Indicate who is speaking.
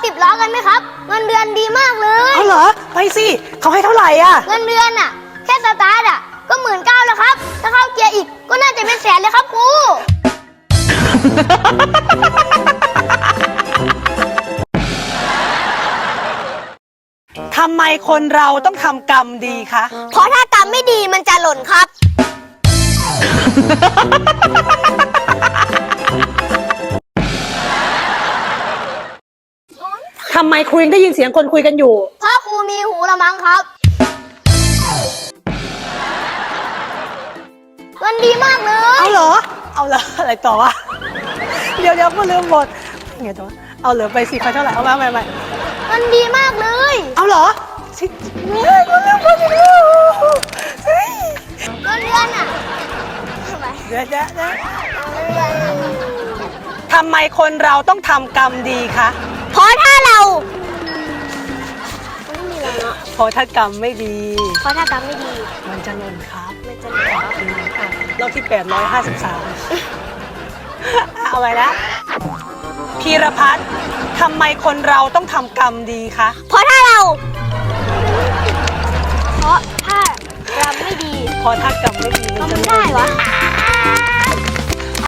Speaker 1: 10 ล้อกันไหมครับเงินเดือนดีมากเลย
Speaker 2: เอาเหรอไปสิเขาให้เท่าไหร่อ่ะ
Speaker 1: เงินเดือนอ่ะแค่สตาร์ทอ่ะก็19,000แล้วครับถ้าเข้าเกียร์อีกก็น่าจะเป็นแสนเลยครับครู
Speaker 2: ทำไมคนเราต้องทำกรรมดีคะ
Speaker 1: เพราะถ้ากรรมไม่ดีมันจะหล่นครับ
Speaker 2: ทำไมครูยังได้ยินเสียงคนคุยกันอยู่
Speaker 1: เพราะครูมีหูละมั้งครับเงินดีมากเลย
Speaker 2: เอาเหรอ เอาเหรออะไรต่อวะ เดี๋ยวก็ลืมหมดไงต่อเอาเหรอไปสิใครเท่าไหร่เอามาใหม่
Speaker 1: เงินดีมากเลย
Speaker 2: เอาเหรอสิเฮ้ยกูลืมหมดแล้วเฮ้ย
Speaker 1: เงินเดือนอ่ะทำไม
Speaker 2: เดี๋ยว
Speaker 1: เงินเดือนอะ
Speaker 2: ทำไมคนเราต้องทำกรรมดีคะ
Speaker 1: เพราะถ้าเราไม่มีแล้วเนาะ
Speaker 2: เพราะถ้ากรรมไม่ดี
Speaker 1: เพราะถ้ากรรมไม่ดี
Speaker 2: มันจะหล่นครับ
Speaker 1: มันจะหล่น
Speaker 2: รอบที่ 853 เอาไว้ละพีรพัฒน์ทำไมคนเราต้องทำกรรมดีคะ
Speaker 1: เพราะถ้ากรรมไม่ดี
Speaker 2: เพราะถ้ากรรมไม่ดีมันจะ
Speaker 1: ทำไม่ได้วะ